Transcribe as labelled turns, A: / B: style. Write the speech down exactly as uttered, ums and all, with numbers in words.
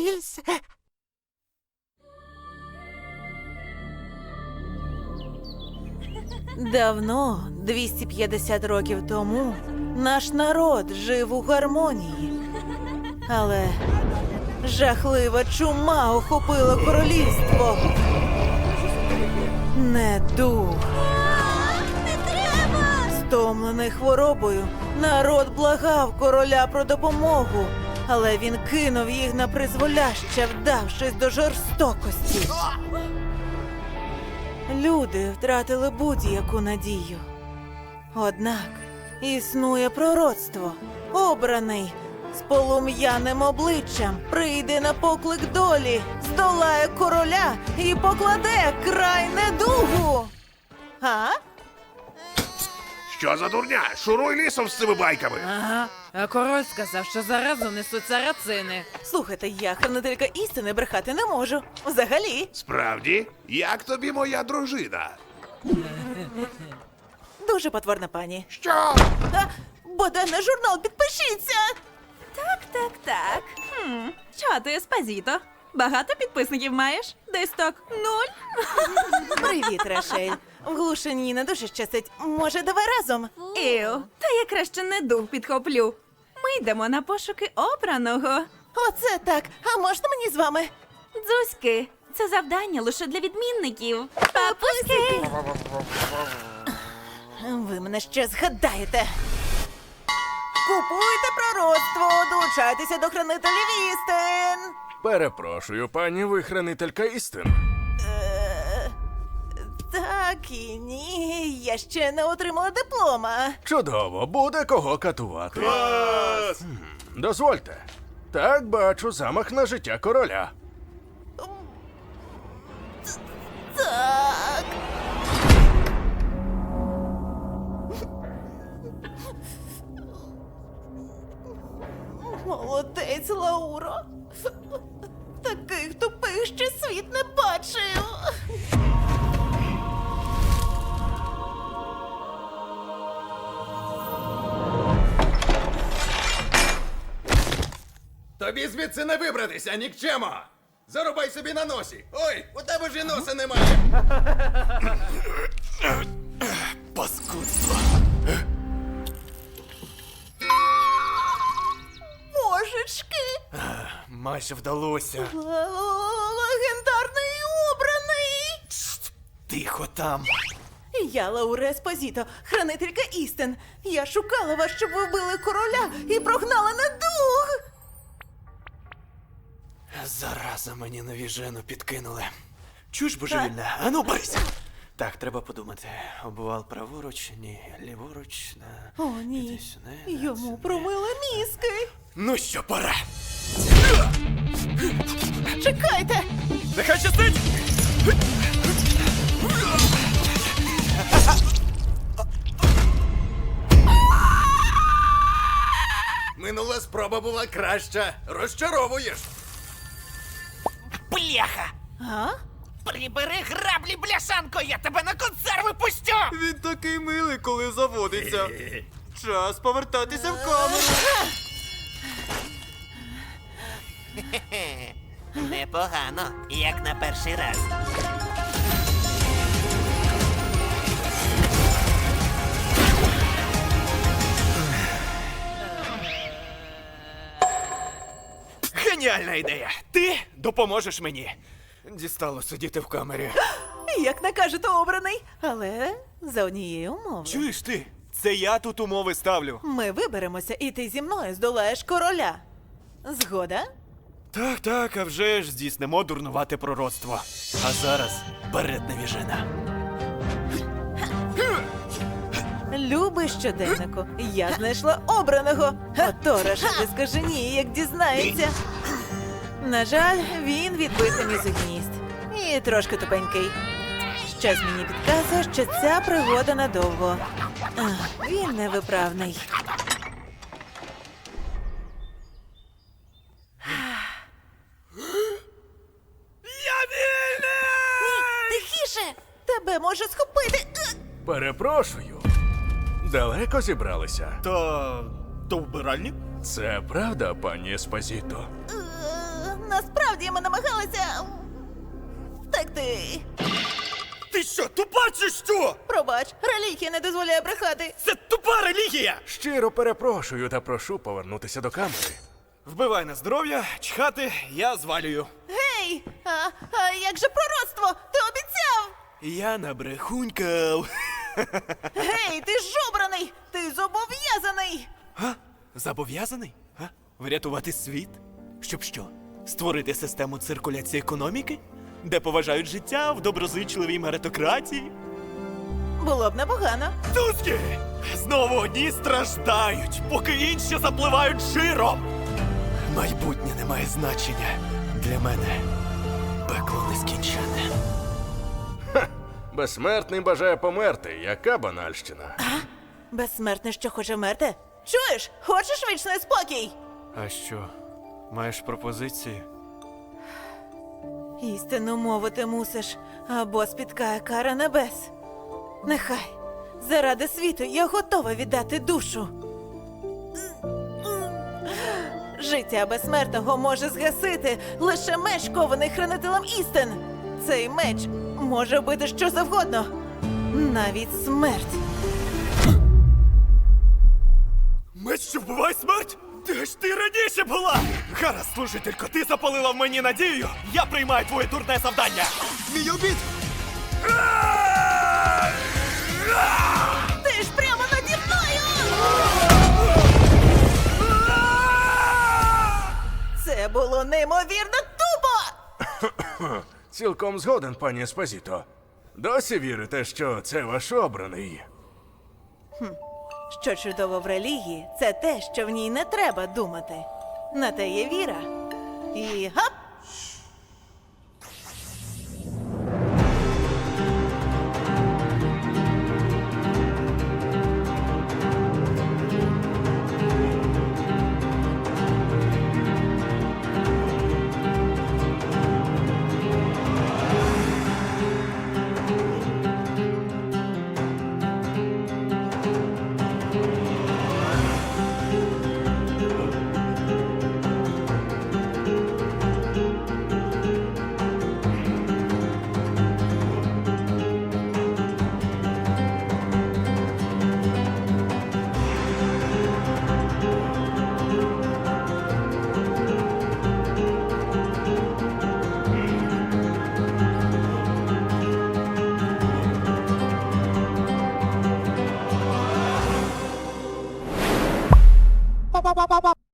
A: Рільс.
B: Давно, двісті п'ятдесят років тому, наш народ жив у гармонії. Але жахлива чума охопила королівство. Недуг. Стомлений хворобою, народ благав короля про допомогу, але він кинув їх на призволяще, вдавшись до жорстокості. Люди втратили будь-яку надію. Однак існує пророцтво. Обраний з полум'яним обличчям прийде на поклик долі, здолає короля і покладе край недугу. А?
C: Що за дурня? Шуруй лісом з цими байками.
D: Ага, а король сказав, що заразу несуть сарацини.
B: Слухайте, я, хранителька істини, брехати не можу. Взагалі.
C: Справді? Як тобі моя дружина?
B: Дуже потворна пані.
C: Що?
B: А, бодай на журнал підпишіться!
E: Так, так, так. Хм. Що ти, Еспозіто? Багато підписників маєш? Десь так нуль?
B: Привіт, Рашель. В глушині не дуже щастить. Може, давай разом?
E: Іу, та я краще не дух підхоплю. Ми йдемо на пошуки обраного.
B: Оце так. А можна мені з вами?
E: Дзузьки, це завдання лише для відмінників. Папуськи!
B: Ви мене ще згадаєте. Купуйте пророцтво, долучайтеся до хранителів істин.
F: Перепрошую, пані, ви хранителька істин.
B: Е, так і ні, я ще не отримала диплома.
F: Чудово, буде кого катувати. Клас! Дозвольте. Так, бачу замах на життя короля.
B: Так. Молодець, Лауро. Таких тупих ще світ не бачив.
G: Тобі звідси не вибратися, нікчемо! Зарубай собі на носі! Ой, у тебе ж і носа немає! Паскудство!
B: Божечки!
G: Майже вдалося.
B: Л- Легендарний обраний!
G: Тихо там.
B: Я Лауре Еспозіто, хранителька істин. Я шукала вас, щоб ви вбили короля і прогнали недуг.
G: Зараза, мені навіжену підкинули. Чуєш, божевільна? Ану, бийся! Так, треба подумати. Обвал праворуч, ні, ліворуч, на...
B: О, ні.
G: Іди сюди, на
B: Йому
G: сюди.
B: промили мізки.
G: Ну що, пора!
B: Чекайте!
G: Нехай щастить! Минула спроба була краща. Розчаровуєш.
A: Бляха!
B: А?
A: Прибери граблі, бляшанко, я тебе на консерви пустю!
G: Він такий милий, коли заводиться. Час повертатися в камеру.
A: Непогано, як на перший раз.
G: Геніальна ідея. Ти допоможеш мені. Дістало сидіти в камері.
B: Як накажете, обраний. Але за однією умовою.
G: Чуєш ти? Це я тут умови ставлю.
B: Ми виберемося, і ти зі мною здолаєш короля. Згода?
G: Так, так, а вже ж здійснимо дурнувате пророцтво. А зараз берет навіжена.
B: Любий щоденнику, я знайшла обраного. Ото Рашель скаже ні, як дізнається. На жаль, він відбитий мізогніст. І трошки тупенький. Щось мені підказує, що ця пригода надовго. Ах, він невиправний.
G: Я вільний!
B: Тихіше! Тебе може схопити!
F: Перепрошую. Далеко зібралися?
G: То... то вбиральник?
F: Це правда, пані Еспозіто?
B: Е, насправді ми намагалися втекти.
H: Ти що, тупа чи що?
B: Пробач, релігія не дозволяє брехати.
H: Це тупа релігія!
F: Щиро перепрошую та прошу повернутися до камери.
H: Вбивай на здоров'я, чхати, я звалюю.
B: Гей! А, а як же пророцтво? Ти обіцяв!
H: Я набрехунькав.
B: Гей, ти ж обраний! Ти зобов'язаний!
H: Га? Зобов'язаний? Га? Врятувати світ? Щоб що? Створити систему циркуляції економіки? Де поважають життя в доброзичливій меритократії?
B: Було б непогано.
H: Тузки! Знову одні страждають, поки інші запливають жиром. Майбутнє не має значення. Для мене пекло нескінченне.
F: Безсмертний бажає померти. Яка банальщина.
B: Безсмертний, що хоче вмерти? Чуєш? Хочеш вічний спокій?
G: А що, маєш пропозиції?
B: Істину мовити мусиш, або спіткає кара небес. Нехай. Заради світу я готова віддати душу. Життя безсмертного може згасити лише меч, кований хранителем істин. Цей меч може бити що завгодно, навіть смерть.
H: Меч, що вбиває смерть? Де ж ти раніше була? Гаразд, служителько, ти запалила в мені надію. Я приймаю твоє дурне завдання. Мій обід!
B: Ти ж прямо наді мною! Це було неймовірно тупо!
F: Цілком згоден, пані Еспозіто. Досі вірите, що це ваш обраний?
B: Що чудово в релігії, це те, що в ній не треба думати. На те є віра. І гап!
A: Па-па-па-па-па.